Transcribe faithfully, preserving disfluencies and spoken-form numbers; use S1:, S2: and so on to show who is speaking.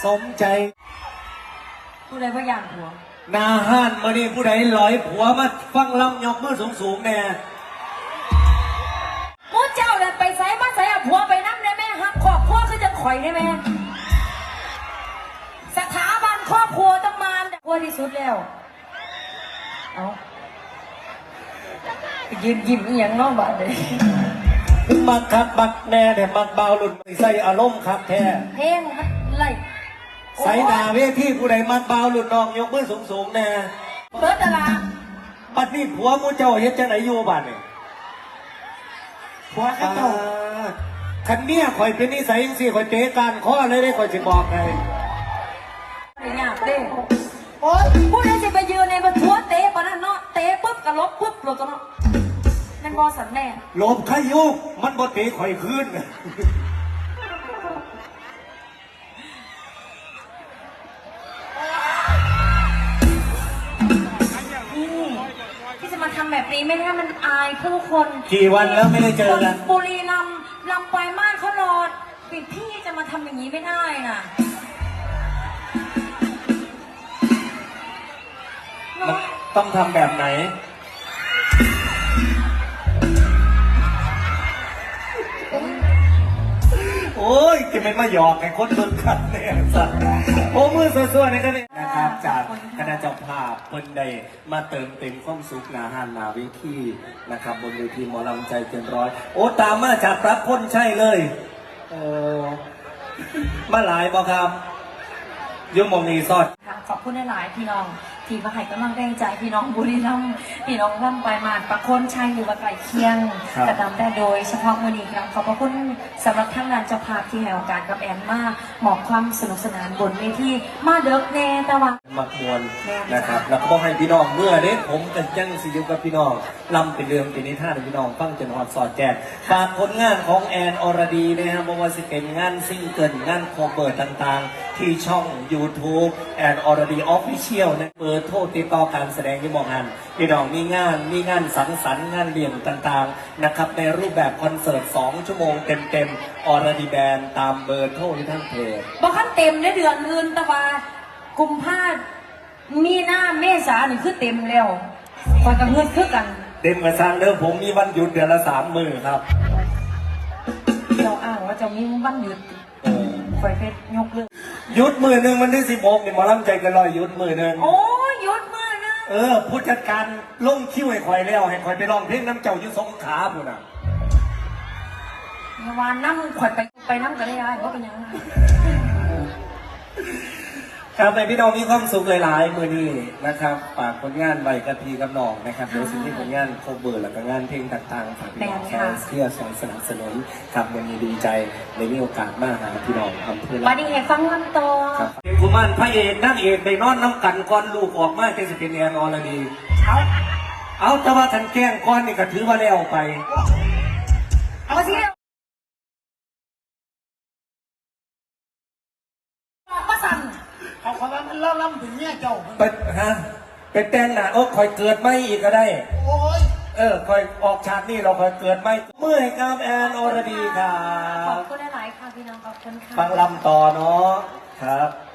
S1: สมใจ
S2: ผู้ใดพยานผัว
S1: นาห้านมานี่ผู้ใดลอยผัวมาฟังลำยกมือสูงสูงแน่
S2: มูเจ้าเนี่ยไปใส่มาใส่อะผัวไปนั่งได้ไหมฮักครอบครัวคือจะข่อยได้ไหมสถาบันครอบครัวต้องมาผัวที่สุดแล้วเอายืนยิ้มอย่างน้องบ้านเลย
S1: มักคักมักแน่เนี่ยมักเบาหลุดใส่อารมณ์คักแท้
S2: เพลงมันไล่
S1: ใส่หน้าเวทีผู้ใดมักเบาหลุดนองยกมือสูงสูงแน่
S2: เบิร์ดอะไร
S1: บัดนี้ผัวมูเจ้าเฮ็ดจังไหนอยู่บ้านนี่
S2: ผัวข้าเจ้า
S1: คันเนี้ยข่อยเป็นนิสัยสิข่อยเตะการข้อเลยได้ข่อยจะบอกไง
S2: เนี่ยเต้โอ้ยผู้ใดจะไปยืนในบรรทุกเตะปะนั่นเนาะเตะปุ๊บกระลบปุ๊บหลุดตัวเนาะนั่นบอสันแน่
S1: ลบขยุกมันบ่เตะข่อยคืน
S2: ที่จะมาทำแบบนี้ไม่ได้มันอายผู้คน
S1: กี่วันแล้วไม่ได้เจอกัน
S2: บุรีรัมย์ลำปลายมาศเขารอปิดพี่จะมาทำอย่างนี้ไม่ได้น่ะ
S1: ต้องทำแบบไหนโอ้ยจะเป็นมาหยอกไอ้คนโดนขัดเนี่ยสัตว์โอ้มือสวยๆนี่ก็เนี่ยนะครับจากคณะเจ้าภาพเพิ่นได้มาเติมเต็มความสุขนาฮานนาวิธีนะครับบนเวทีหมอลำใจเกินร้อยโอ้ตามมาจากรับพ้นใช่เลยโอ้มาหลายบ่ครับยมมองนีซอด
S2: ขอบคุณหลายพี่น้องที่มาให้กำลังแรงใจพี่น้องบุรีรัมย์พี่น้องลำปลายมาศประโคนชัยหรือว่าไก่เคียงกระทำได้โดยเฉพาะมือนี้ครับขอบพระคุณสำหรับท่านงานเจ้าภาพที่ให้โอกาสกับแอนมาหมอบความสนุกสนานบนเวทีมาเดิกแน่ตะวัน
S1: มักมวลนะครับแล้วก็บอกให้พี่น้องเมื่อเด็กผมกันจังสิอยู่กับพี่น้องลำเป็นเรื่องเป็นนิทานพี่น้องฟังจนหอดสอดแจกฝากผลงานของแอนอรดีนะครับไม่ว่าจะเป็นงานซิงเกิลงานโคเบิร์ตต่างๆที่ช่อง YouTube แอนอรดีออฟฟิเชียลนะเบอร์โทรติดต่อการแสดงที่มองงานพี่น้องมีงานมีงานสังสรรค์งานเลี้ยงต่างๆนะครับในรูปแบบคอนเสิร์ตสองชั่วโมงเต็มๆอรดีแบนตามเบอร์โทรที่ท่านเพจ
S2: บอกขั้นเต็มในเดือนอื่นตะวันกุมภาพันธ์มีหน้าเมษาหนึ่งคือเต็มแล้วคอยกับเงินคือกัน
S1: เต็มกระซังเดิมผมมีวันหยุดเดือนละสามมื้อครับ
S2: เราอ้างว่าจะมีวันหยุดคอยเพชรยกเลิก
S1: หยุดมือหนึ่งวันที่สิบหกเนี่ยหมอลำใจกันลอยหยุดมือหนึ่ง
S2: โอ้หยุดมือนึง
S1: เออผู้จัดการลงคิวให้คอยแล้วให้คอยไปร้องเพลงน้ำเจ้ายุสงขาบุญอ่ะ
S2: วานน้ำคอยไปไปน้ำกันได้ยังเพราะเป็นยังไง
S1: ครับในพี่น้องมีความสุขหลายๆมือนี้นะครับฝากผลงานใบกะทีกับน้องนะครับเดี๋ยวสิ่งที่ผลงานโคเบอร์แล้วก็งานเพลงต่างๆฝากพี่น้องแฟนเพื่อสอนสนับสนุนครับวันนี้ดีใจในมีโอกาสมาหาพี่น้องอำเภอ
S2: วันนี้เห็นฟังลำตัว
S1: เป็นกุมารพระเอกนั่งเอกในนอนน้ำกันก้อนลูกออกมาจะเป็นแอนอรดี
S2: เอา
S1: เอาแต่ว่าทันแกล้งก้อนนี่ก็ถือว่าแล้วไป
S2: เอาสิมาสั่ง
S3: เขาเขาว่ามันเล่าล่ำถึงเนี่ยเจ้า
S1: ไปฮะไปแต่งหน้าโอ้คอยเกิดไม่อีกก็ได้
S3: โอ้ย
S1: เออคอยออกฉากนี่เราคอยเกิดไม่เมื่อยครับแอนอรดีครับ
S2: ขอบคุณหลายๆค่ะพี่น้องขอบคุณค่ะ
S1: ฟังลำต่อเนาะครับ